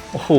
โอ้โห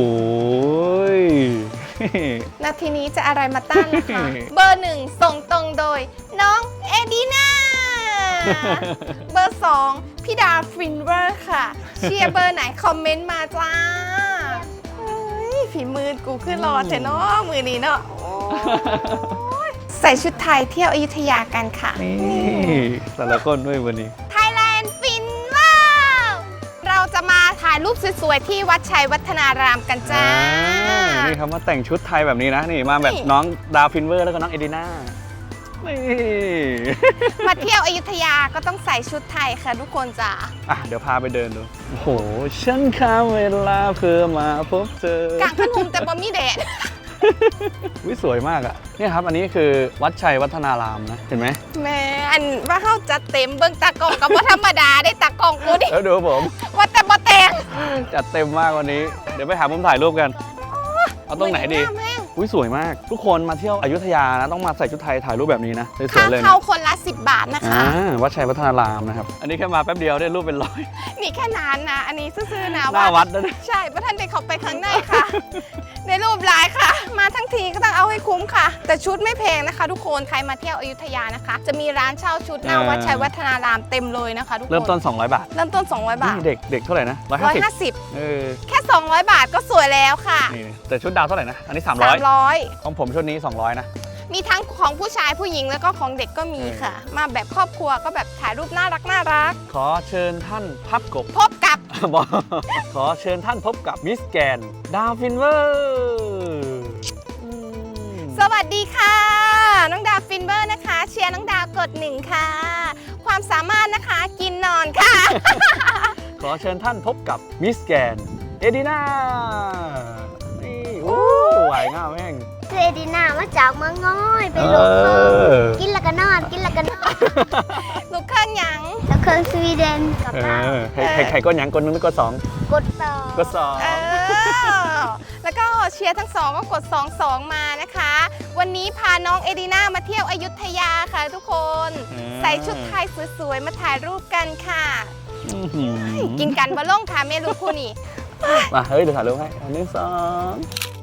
นาทีนี้จะอะไรมาต้านนะคะ เบอร์หนึ่งส่งตรงโดยน้องเอดีนาเบอร์สองพี่ดาฟินเวอร์ค่ะ เชียร์เบอร์ไหนคอมเมนต์มาจ้าเฮ้ยฝีมือกูขึ้นรอเถอะเนาะมือนี้เนาะใส่ชุดไทยเที่ยวอยุธยากันค่ะนี่แต่ละคนด้วยวันนี้ไทยแลนด์ฟินว้าวเราจะมาถ่ายรูปสวยๆที่วัดชัยวัฒนารามกันจ้านี่เขามาแต่งชุดไทยแบบนี้นะนี่มาแบบน้องดาวฟินเวอร์แล้วก็น้องเอดีน่านี่มาเที่ยวอยุธยาก็ต้องใส่ชุดไทยค่ะทุกคนจ้าอ่ะเดี๋ยวพาไปเดินดูโอ้โหฉันข้ามเวลาเพื่อมาพบเจอกางขนมแต่บ่มีแดดวิสวยมากอ่ะเนี่ยครับอันนี้คือวัดชัยวัฒนารามนะเห็นไหมแม่อันว่าเขาจัดเต็มเบิ่งตากล่องกับว่าธรรมดาได้ตากล่องกูดิแล้วดูผม ว่าแต่บ่แต่งจัดเต็มมากวันนี้เดี๋ยวไปหามุมถ่ายรูปกันเอาตรงไหนดีแม่งอุ้ยสวยมากทุกคนมาเที่ยวอยุธยานะต้องมาใส่ชุดไทยถ่ายรูปแบบนี้นะสวค่ายๆเลยนะเข้าคนละ10 บาทนะคะวัดชัยวัฒนารามนะครับอันนี้แค่มาแป๊บเดียวได้รูปเป็นร้อยนี่แค่นานนะ อันนี้ซื่อๆนะหน้าวัดนะเนี่ยใช่พระท่านได้เข้าไปข้างในค่ะ ในรูปลายค่ะ มาทั้งทีก็ต้องเอาให้คุ้มค่ะ แต่ชุดไม่แพงนะคะ ทุกคนใครมาเที่ยวอยุธยานะคะ จะมีร้านเช่าชุดหน้าวัดชัยวัฒนารามเต็มเลยนะคะทุกคนเริ่มต้น200 บาทเริ่มต้น200 บาทนี่เด็กเท่าไหร่นะ150 150 เออแค่ 200 บาทก็สวยแล้วค่ะนี่แต่ชุดดาวเท่าไหร่นะอันนี้300 300 ของผมชุดนี้200นะมีทั้งของผู้ชายผู้หญิงแล้วก็ของเด็กก็มีค่ะ มาแบบครอบครัวก็แบบถ่ายรูปน่ารักน่ารักขอเชิญท่านพับกบพบกับบอกขอเชิญท่านพบกับมิสแกนดาวฟินเวอร์สวัสดีค่ะ น้องดาวฟินเบอร์นะคะ เชียร์น้องดาวกด1ค่ะ ความสามารถนะคะกินนอนค่ะขอเชิญท่านพบกับมิสแกนเอดีนานี่โอ้ไหวง่าแม่งคือเอดีนามาจากเมืองน้อยไปลงเครื่องกินแล้วก็นอนกินแล้วก็นอนลูกเครื่องหยังแล้วเครื่องสวีเดนกับเราใครก็ยังคนนึงแล้วก็สองกดต่อก็สองแล้วก็เชียร์ทั้งสองก็กด 22 มานะคะ วันนี้พาน้องเอดีนามาเที่ยวอยุธยาค่ะทุกคน ใส่ชุดไทยสวยๆ มาถ่ายรูปกันค่ะ กินกันบะล่งค่ะเมลูกคู่นี่มาเฮ้ยเดี๋ยวถ่ายรูปให้อันนี้สอง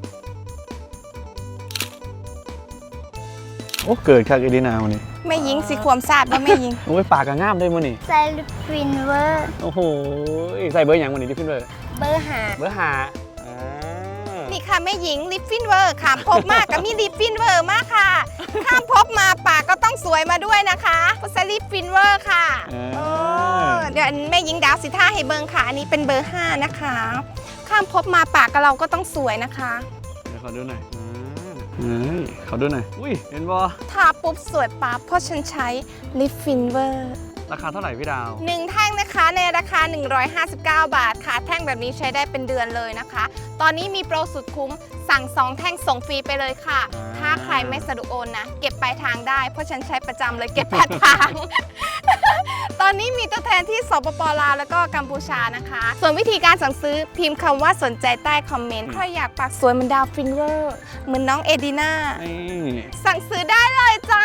โอ้เกิดคาเอดีนาวันนี้ไม่ยิงสิความซาดว่าไม่ยิงโอ้ยปากกะง่ามได้มั้นี่ไซลิฟินเวอร์โอ้โหใส่เบอร์อย่างวันนี้ดิฟินเบอร์เบอร์หาเบอร์หานี่ค่ะแม่หญิงลิปฟินเวอร์ขามพบมากกับมีลิปฟินเวอร์มากค่ะข้ามพบมาปากก็ต้องสวยมาด้วยนะคะเพราะลิปฟินเวอร์ค่ะเดี๋ยวแม่หญิงดาวสิท่าให้เบิงค่ะอันนี้เป็นเบอร์ 5 นะคะ ข้ามพบมาปากกับเราก็ต้องสวยนะคะเดี๋ยวขอดูหน่อยขอดูหน่อยอุ้ยเห็นบอทาปุ๊บสวยปั๊บเพราะฉันใช้ลิปฟินเวอร์ราคาเท่าไหร่พี่ดาว 1 แท่งนะคะในราคา 159 บาทค่ะ แท่งแบบนี้ใช้ได้เป็นเดือนเลยนะคะ ตอนนี้มีโปรสุดคุ้มสั่ง 2 แท่งส่งฟรีไปเลยค่ะ ถ้าใครไม่สะดวกโอนนะ เก็บปลายทางได้เพราะฉันใช้ประจำเลยเก็บปลายทาง ตอนนี้มีตัวแทนที่สปป.ลาวแล้วก็กัมพูชานะคะ ส่วนวิธีการสั่งซื้อพิมพ์คำว่าสนใจใต้คอมเมนต์ใครอยากปากสวยเหมือนดาวฟินเวอร์เหมือนน้องเอดีนานี่สั่งซื้อได้เลยจ้า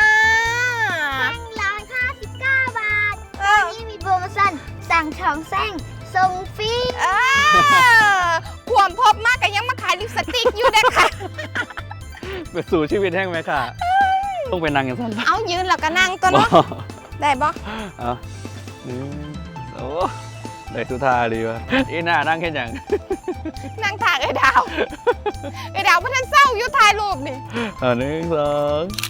159 บาทตอนนี้มีโปรโมชั่นสั่ง2แท่งส่งฟรีขวมพบมากกันยังมาขายลิปสติกอยู่เด้อค่ะไปสู่ชีวิตแห้งไหมค่ะต้องเป็นนางอย่างสั้นเอายืนแล้วก็นั่งตัวเนาะได้บ่เอาโอ้ได้สุธาดีวะอีน่านั่งแค่อย่างนั่งถากไอ้ดาวไอ้ดาวเพื่อนเศร้าอยู่ถ่ายรูปนี่หนึ่งสอง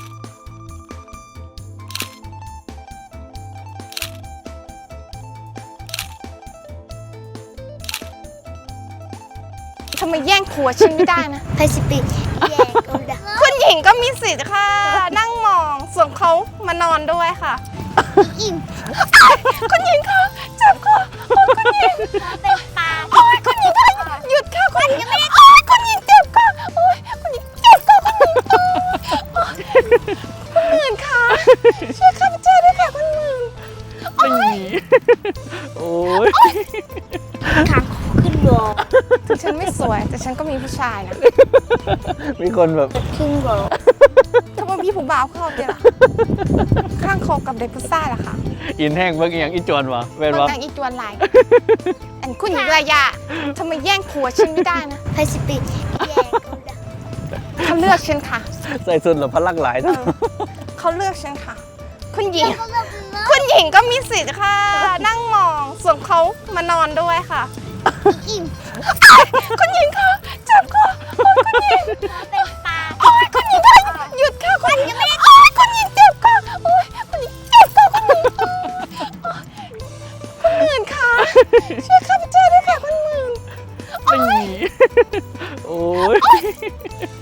ทำไมแย่งผัวฉันไม่ได้นะพาซิฟิกแย่ก็ได้คุณหญิงก็มีสิทธิ์ค่ะ นั่งมองส่วนเขามานอนด้วยค่ะอิงคุณหญิงค่ะเจ็บค่ะโอ้ยคุณหญิงเป็นปลาโอ้ยคุณหญิงค่ะหยุดค่ะคุณหญิงโอ้ยคุณหญิงเจ็บค่ะโอ้ยคุณหญิงเจ็บค่ะคุณหญิงโอ้ยคุณหมื่นค่ะช่วยข้าพเจ้าด้วยค่ะคุณหมื่นโอ้ยขางขึ้นวอถึงฉันไม่สวยแต่ฉันก็มีผู้ชายนะมีคนแบบขึ้นวอทำไมพี่ผู้บ่าวเข้าเดี๋ยวล่ะข้างคอกับเด็กผู้ชายล่ะค่ะอินแห้งเบิ่งอหย่างอีจวนวะเว้นมันวะต่างอีจวนหลายอันคุณหญิงระยะทำไมแย่งผัวฉันไม่ได้นะไพสิปิแย่กูดักเขาเลือกฉันค่ะใส่สุดหรือพลักหลายเออเขาเลือกฉันค่ะ คุณหญิงเขาเลิกเลิกคุณหญิงก็มีสิทธิ์ค่ะ นั่งมอง ส่วนเขามานอนด้วยค่ะอิ่มคุณหญิงคะเจ็บค่ะโอ๊ยคุณหญิงเป็นปลาโอ๊ยคุณหญิงคะหยุดค่ะคุณหญิงโอ๊ยคุณหญิงเจ็บค่ะโอ๊ยคุณหญิงเจ็บค่ะคุณหญิงโอ๊ยคุณหมื่นค่ะช่วยข้าพเจ้าด้วยค่ะคุณหมื่นโอ้ย